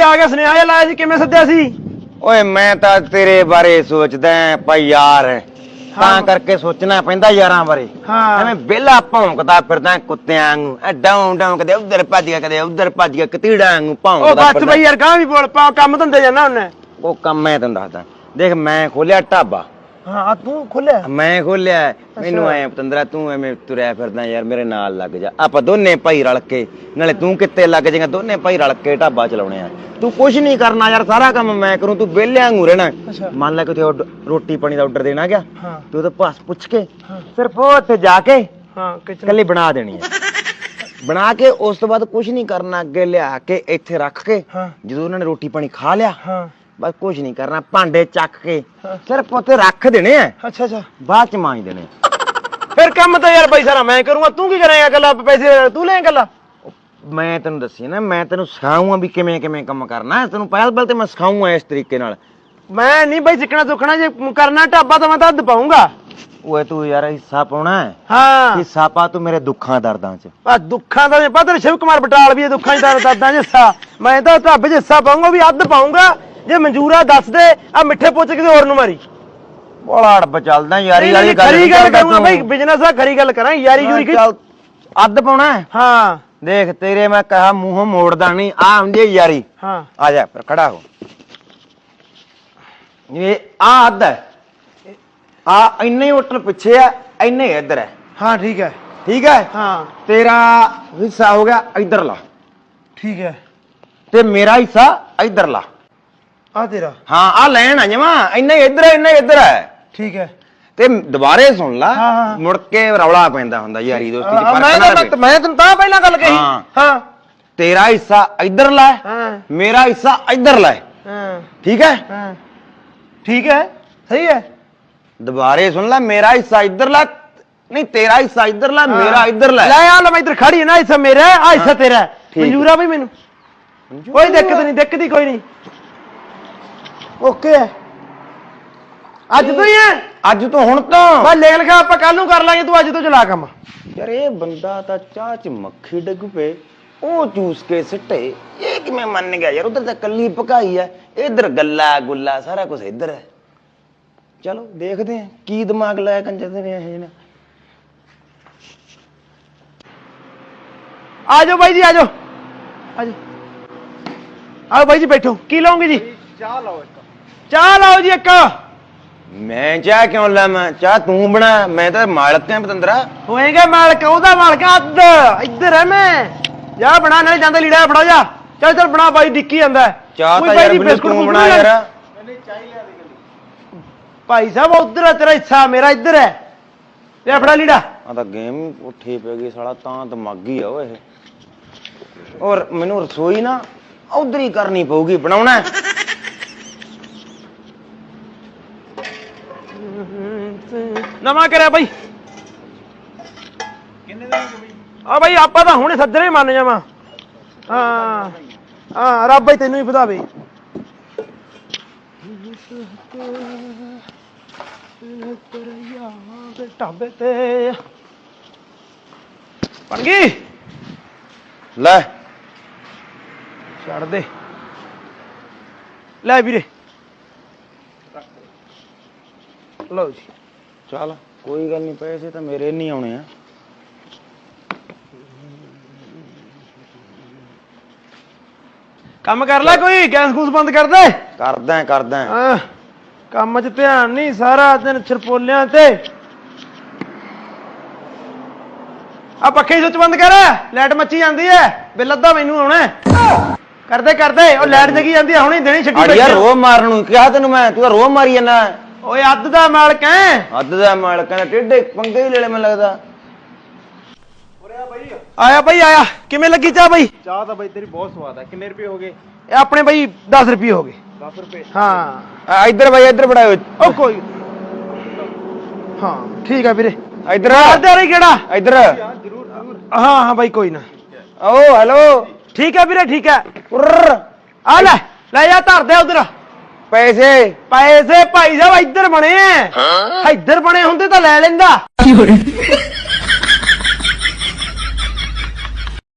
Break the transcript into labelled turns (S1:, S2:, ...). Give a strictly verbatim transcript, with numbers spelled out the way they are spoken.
S1: ਆ ਗਿਆ ਸੁਨੇਹਾ ਜਿਹਾ ਲਾਇਆ ਸੀ ਕਿਵੇਂ ਸੱਦਿਆ ਸੀ
S2: ਓਏ ਮੈਂ ਤਾਂ ਤੇਰੇ ਬਾਰੇ ਸੋਚਦਾ ਭਾਈ ਯਾਰ ਤਾਂ ਕਰਕੇ ਸੋਚਣਾ ਪੈਂਦਾ ਯਾਰਾਂ ਬਾਰੇ
S1: ਹਾਂ
S2: ਐਵੇਂ ਵਿਹਲਾ ਭੌਂਕਦਾ ਫਿਰਦਾ ਕੁੱਤਿਆਂ ਵਾਂਗੂ ਐ ਡਾਉਂ ਡਾਉਂ ਕਦੇ ਉਧਰ ਭੱਜ ਗਿਆ ਕਦੇ ਉਧਰ ਭੱਜ ਗਿਆ ਕਤੀੜਾ ਵਾਂਗੂ
S1: ਉਹ
S2: ਭੌਂਕਦਾ
S1: ਬਸ ਬਈ ਯਾਰ ਗਾਂ ਵੀ ਬੋਲ ਪਾ ਕੰਮ ਧੰਦੇ ਜਾਂਦਾ ਉਹਨੇ
S2: ਉਹ ਕੰਮ ਮੈਂ ਤੈਨੂੰ ਦੱਸਦਾ ਦੇਖ ਮੈਂ ਖੋਲਿਆ ਢਾਬਾ
S1: ਹਾਂ ਤੂੰ ਖੋਲਿਆ
S2: ਮੈਂ ਖੋਲਿਆ ਮੈਨੂੰ ਐ ਪਤੰਦਰਾ ਤੂੰ ਐਵੇਂ ਤੁਰਿਆ ਫਿਰਦਾ ਯਾਰ ਮੇਰੇ ਨਾਲ ਲੱਗ ਜਾ ਆਪਾਂ ਦੋਨੇ ਭਾਈ ਰਲ ਕੇ ਨਾਲੇ ਤੂੰ ਕਿੱਤੇ ਲੱਗ ਜਾਏਗਾ ਦੋਨੇ ਭਾਈ ਰਲ ਕੇ ਢਾਬਾ ਚਲਾਉਣੇ ਆ ਤੂੰ ਕੁਝ ਨਹੀਂ ਕਰਨਾ ਯਾਰ ਸਾਰਾ ਕੰਮ ਮੈਂ ਕਰੂੰ ਤੂੰ ਵਿਹਲਿਆਂ ਵਾਂਗੂ ਰਹਿਣਾ ਮੰਨ ਲੈ ਕਿ ਉੱਥੇ ਰੋਟੀ ਪਾਣੀ ਦਾ ਆਰਡਰ ਦੇਣਾ ਗਿਆ ਤੂੰ ਉਹਦੇ ਪਾਸ ਪੁੱਛ ਕੇ ਸਿਰਫ ਉੱਥੇ ਜਾ ਕੇ ਹਾਂ ਕੱਲੀ ਬਣਾ ਦੇਣੀ ਹੈ ਬਣਾ ਕੇ ਉਸ ਤੋਂ ਬਾਅਦ ਕੁਝ ਨਹੀਂ ਕਰਨਾ ਅੱਗੇ ਲਿਆ ਕੇ ਇੱਥੇ ਰੱਖ ਕੇ ਜਦੋਂ ਉਹਨਾਂ ਨੇ ਰੋਟੀ ਪਾਣੀ ਖਾ ਲਿਆ ਬਸ ਕੁਝ ਨਹੀਂ ਕਰਨਾ ਭਾਂਡੇ ਚੱਕ ਕੇ ਸਿਰਫ ਉੱਥੇ ਰੱਖ ਦੇਣੇ ਆ
S1: ਅੱਛਾ ਅੱਛਾ
S2: ਬਾਅਦ ਚ ਮਾਂਜ ਦੇਣੇ
S1: ਫਿਰ ਕੰਮ ਤਾਂ ਯਾਰ ਬਾਈ ਸਾਰਾ ਮੈਂ ਕਰੂੰਗਾ ਤੂੰ ਕੀ ਕਰੇਂਗਾ ਗੱਲਾਂ ਪੈਸੇ ਤੂੰ ਲੈ ਗੱਲਾਂ
S2: ਮੈਂ ਤੈਨੂੰ ਦੱਸੀ ਨਾ ਮੈਂ ਤੈਨੂੰ ਸਿਖਾਉਂਗਾ ਵੀ ਕਿਵੇਂ ਕਿਵੇਂ ਕੰਮ ਕਰਨਾ ਤੈਨੂੰ ਪਹਿਲ ਪਹਿਲ ਤੇ ਮੈਂ ਸਿਖਾਉਂਗਾ ਇਸ ਤਰੀਕੇ ਨਾਲ
S1: ਮੈਂ ਨਹੀਂ ਬਾਈ ਸਿੱਖਣਾ ਸੁੱਖਣਾ ਜੇ ਕਰਨਾ ਢਾਬਾ ਤਾਂ ਮੈਂ ਤਾਂ ਹੱਦ ਪਾਉਂਗਾ
S2: ਓਏ ਤੂੰ ਯਾਰ ਹਿੱਸਾ ਪਾਉਣਾ ਹੈ
S1: ਹਾਂ
S2: ਹਿੱਸਾ ਪਾ ਤੂੰ ਮੇਰੇ ਦੁੱਖਾਂ ਦਰਦਾਂ ਚ
S1: ਆ ਦੁੱਖਾਂ ਦਾ ਪਤਾ ਸ਼ਿਵ ਕੁਮਾਰ ਬਟਾਲ ਵੀ ਇਹ ਦੁੱਖਾਂ ਚ ਦਰਦਾਂ ਚ ਹਿੱਸਾ ਮੈਂ ਤਾਂ ਢਾਬੇ ਚ ਹਿੱਸਾ ਪਾਉਂਗਾ ਵੀ ਅੱਧ ਪਾਉਂਗਾ ਜੇ ਮਨਜ਼ੂਰਾ ਦੱਸ ਦੇ ਆ ਮਿੱਠੇ ਪੁੱਛ ਕਿਸੇ ਹੋਰ ਨੂੰ ਮਾਰੀ
S2: ਬੜਾ ਅੜਬ ਚੱਲਦਾ ਯਾਰੀ ਵਾਲੀ ਗੱਲ
S1: ਖਰੀ ਗੱਲ ਕਰੂੰਗਾ ਬਾਈ ਬਿਜ਼ਨਸ ਆ ਖਰੀ ਗੱਲ ਕਰਾਂ ਯਾਰੀ ਯੂਰੀ
S2: ਅੱਧ ਪਾਉਣਾ
S1: ਹਾਂ
S2: ਦੇਖ ਤੇਰੇ ਮੈਂ ਕਹਾ ਮੂੰਹੋਂ ਮੋੜਦਾ ਨਹੀਂ ਆ ਹੁੰਦੀ ਯਾਰੀ
S1: ਹਾਂ
S2: ਆ ਜਾ ਫਿਰ ਖੜਾ ਹੋ ਇਹ ਆ ਅੱਧ ਹੈ ਆ ਇੰਨੇ ਹੀ ਉੱਟਣ ਪਿੱਛੇ ਆ ਇੰਨੇ ਹੀ ਇੱਧਰ ਹੈ
S1: ਹਾਂ ਠੀਕ ਹੈ
S2: ਠੀਕ ਹੈ
S1: ਹਾਂ
S2: ਤੇਰਾ ਹਿੱਸਾ ਹੋ ਗਿਆ ਇੱਧਰਲਾ
S1: ਠੀਕ ਹੈ
S2: ਤੇ ਮੇਰਾ ਹਿੱਸਾ ਇੱਧਰਲਾ
S1: ਆ ਤੇਰਾ
S2: ਹਾਂ ਆ ਲੈਣ ਆ ਜਮਾ ਇੰਨਾ ਹੀ ਇੱਧਰ ਹੈ ਇੰਨਾ ਹੀ ਇੱਧਰ ਹੈ
S1: ਠੀਕ ਹੈ
S2: ਤੇ ਦੁਬਾਰੇ ਸੁਣ ਲਾ ਮੁੜ ਕੇ ਰੌਲਾ ਪੈਂਦਾ ਹੁੰਦਾ ਯਾਰੀ ਦੋਸਤੀ ਚ
S1: ਮੈਂ ਤਾਂ ਮੈਂ ਤੈਨੂੰ ਤਾਂ ਪਹਿਲਾਂ ਗੱਲ ਕਹੀ ਹਾਂ
S2: ਤੇਰਾ ਹਿੱਸਾ ਇੱਧਰਲਾ
S1: ਹਾਂ
S2: ਮੇਰਾ ਹਿੱਸਾ ਇੱਧਰਲਾ
S1: ਹਾਂ
S2: ਠੀਕ ਹੈ
S1: ਹਾਂ ਠੀਕ ਹੈ ਸਹੀ ਹੈ
S2: ਦੁਬਾਰੇ ਸੁਣ ਲੈ ਮੇਰਾ ਹਿੱਸਾ ਇੱਧਰਲਾ ਨਹੀਂ ਤੇਰਾ ਹਿੱਸਾ ਇੱਧਰਲਾ ਮੇਰਾ ਇੱਧਰਲਾ
S1: ਲੈ ਆ ਲੈ ਮੈਂ ਇੱਧਰ ਖੜੀ ਨਾ ਹਿੱਸਾ ਮੇਰਾ ਆ ਹਿੱਸਾ ਤੇਰਾ ਮਨਜ਼ੂਰ ਆ ਬਈ ਮੈਨੂੰ ਕੋਈ ਦਿੱਕਤ ਨਹੀਂ ਦਿੱਕਤ ਹੀ ਕੋਈ ਨਹੀਂ ਓਕੇ ਅੱਜ ਤੋਂ ਹੀ ਹੈ
S2: ਅੱਜ ਤੋਂ ਹੁਣ ਤੋਂ
S1: ਬਸ ਲਿਖ ਲਿਖਾ ਆਪਾਂ ਕੱਲ ਨੂੰ ਕਰ ਲਾਂਗੇ ਤੂੰ ਅੱਜ ਤੋਂ ਚਲਾ ਕੰਮ
S2: ਯਾਰ ਇਹ ਬੰਦਾ ਤਾਂ ਚਾਹ ਚ ਮੱਖੀ ਡਿੱਗ ਪਏ ਉਹ ਚੂਸ ਕੇ ਸਿੱਟੇ ਇਹ ਕਿਵੇਂ ਮੰਨ ਗਿਆ ਯਾਰ ਉਧਰ ਤਾਂ ਕੱਲੀ ਪਕਾਈ ਹੈ ਇੱਧਰ ਗੱਲਾ ਗੁੱਲਾ ਸਾਰਾ ਕੁਝ ਇੱਧਰ ਹੈ ਚਲੋ ਦੇਖਦੇ ਆ ਕੀ ਦਿਮਾਗ ਲਾਇਆ ਕੰਜਰ ਨੇ ਇਹ ਨੇ
S1: ਆ ਜਾਓ ਬਾਈ ਜੀ ਆ ਜਾਓ ਆ ਜਾਓ ਆਓ ਬਾਈ ਜੀ ਬੈਠੋ ਕੀ ਲਾਉਂਗੇ ਜੀ ਚਾਹ ਲਾਓ ਇੱਕ ਚਾਹ ਲਾਓ ਜੀ ਇੱਕ
S2: ਮੈਂ ਚਾਹ ਕਿਉਂ ਲਾਵਾਂ ਚਾਹ ਤੂੰ ਬਣਾ ਮੈਂ ਤਾਂ ਮਾਲਕ ਹਾਂ ਪਤੰਦਰਾ
S1: ਹੋਏਗਾ ਮਾਲਕ ਉਹਦਾ ਮਾਲਕ ਅੱਧ ਇੱਧਰ ਹੈ ਮੈਂ ਜਾ ਬਣਾ ਨਾਲੇ ਜਾਂਦਾ ਲੀੜਾ ਫੜਾ ਜਾ ਚੱਲ ਚੱਲ ਬਣਾ ਬਾਈ ਡਿੱਕੀ ਜਾਂਦਾ
S2: ਚਾਹ ਤਾਂ ਯਾਰ ਮੈਨੂੰ ਤੂੰ ਬਣਾ ਯਾਰ
S1: ਨਹੀਂ ਚਾਹ ਲਿਆ ਦੇ ਗਲੀ ਭਾਈ ਸਾਹਿਬ ਉਧਰ ਹੈ ਤੇਰਾ ਹਿੱਸਾ ਮੇਰਾ ਇੱਧਰ ਹੈ ਤੇ ਫੜਾ ਲੀੜਾ
S2: ਆ ਤਾਂ ਗੇਮ ਉੱਠੀ ਪੈ ਗਈ ਸਾਲਾ ਤਾਂ ਦਿਮਾਗੀ ਆ ਓਏ ਔਰ ਮੈਨੂੰ ਰਸੋਈ ਨਾ ਉਧਰ ਹੀ ਕਰਨੀ ਪਊਗੀ ਬਣਾਉਣਾ
S1: ਨਵਾਂ ਕਰਿਆ ਬਾਈ ਕਿੰਨੇ ਦਿਨ ਹੋ ਗਏ ਬਾਈ ਆ ਬਾਈ ਆਪਾਂ ਤਾਂ ਹੁਣੇ ਸੱਜਰੇ ਮੰਨ ਜਾਵਾਂ ਹਾਂ ਹਾਂ ਰੱਬ ਬਾਈ ਤੈਨੂੰ ਹੀ ਵਧਾਵੇ ਢਾਬੇ ਤੇ ਬਣ ਗਈ
S2: ਲੈ
S1: ਛੱਡ ਦੇ ਲੈ ਵੀਰੇ ਲਓ ਜੀ
S2: ਚੱਲ ਕੋਈ ਗੱਲ ਨਹੀਂ ਪੈਸੇ ਤਾਂ ਮੇਰੇ ਨਹੀਂ ਆਉਣੇ ਆ
S1: ਕੰਮ ਕਰ ਲੈ ਕੋਈ ਗੈਸ ਗੂਸ ਬੰਦ ਕਰ ਦੇ
S2: ਕਰਦਾ ਕਰਦਾ
S1: ਹਾਂ ਕੰਮ 'ਚ ਧਿਆਨ ਨਹੀਂ ਸਾਰਾ ਦਿਨ ਛਰਪੋਲਿਆਂ ਤੇ ਆ ਪੱਖੇ ਸੁੱਚ ਬੰਦ ਕਰ ਲਾਈਟ ਮੱਚੀ ਜਾਂਦੀ ਐ ਬਿੱਲ ਅੱਧਾ ਮੈਨੂੰ ਆਉਣਾ ਕਰਦੇ ਕਰਦੇ ਉਹ ਲਾਈਟ ਜਗੀ ਜਾਂਦੀ ਐ ਹੁਣੇ ਦਿਨੇ ਛੱਡੀ
S2: ਯਾਰ ਰੋਹ ਮਾਰਨ ਨੂੰ ਕਿਹਾ ਤੈਨੂੰ ਮੈਂ ਤੂੰ ਤਾਂ ਰੋਹ ਮਾਰੀ ਜਾਂਦਾ
S1: ਓਏ ਅੱਧ ਦਾ ਮਾਲਕ ਐ
S2: ਅੱਧ ਦਾ ਮਾਲਕ ਹੈ ਟੇਢੇ ਪੰਗੇ ਹੀ ਲੈ ਲੈ ਮੈਨੂੰ ਲੱਗਦਾ
S1: ਆਇਆ ਬਾਈ ਆਇਆ ਕਿਵੇਂ ਲੱਗੀ ਚਾਹ ਬਾਈ
S3: ਚਾਹ ਤਾਂ ਬਾਈ ਤੇਰੀ ਬਹੁਤ ਸਵਾਦ ਹੈ ਕਿੰਨੇ ਰੁਪਏ ਹੋ ਗਏ
S1: ਇਹ ਆਪਣੇ ਬਾਈ ਦਸ ਰੁਪਏ ਹੋ ਗਏ
S3: ਦਸ ਰੁਪਏ
S1: ਹਾਂ
S2: ਇੱਧਰ ਬਾਈ ਇੱਧਰ ਫੜਾਓ
S1: ਉਹ ਕੋਈ ਹਾਂ ਠੀਕ ਆ ਵੀਰੇ
S2: ਇੱਧਰ
S1: ਆਦੇ ਰਹੀ ਕਿਹੜਾ
S2: ਇੱਧਰ
S3: ਜਰੂਰ ਜਰੂਰ
S1: ਹਾਂ ਹਾਂ ਬਾਈ ਕੋਈ ਨਾ
S2: ਓ ਹੈਲੋ
S1: ਠੀਕ ਹੈ ਵੀਰੇ ਠੀਕ ਹੈ
S2: ਉਰਰ
S1: ਆ ਲੈ ਲੈ ਜਾ ਧਰ ਦੇ ਉਧਰ
S2: ਪੈਸੇ
S1: ਪੈਸੇ ਭਾਈ ਸਾਹਿਬ ਇੱਧਰ ਬਣੇ ਐ ਇੱਧਰ ਬਣੇ ਹੁੰਦੇ ਤਾਂ ਲੈ ਲੈਂਦਾ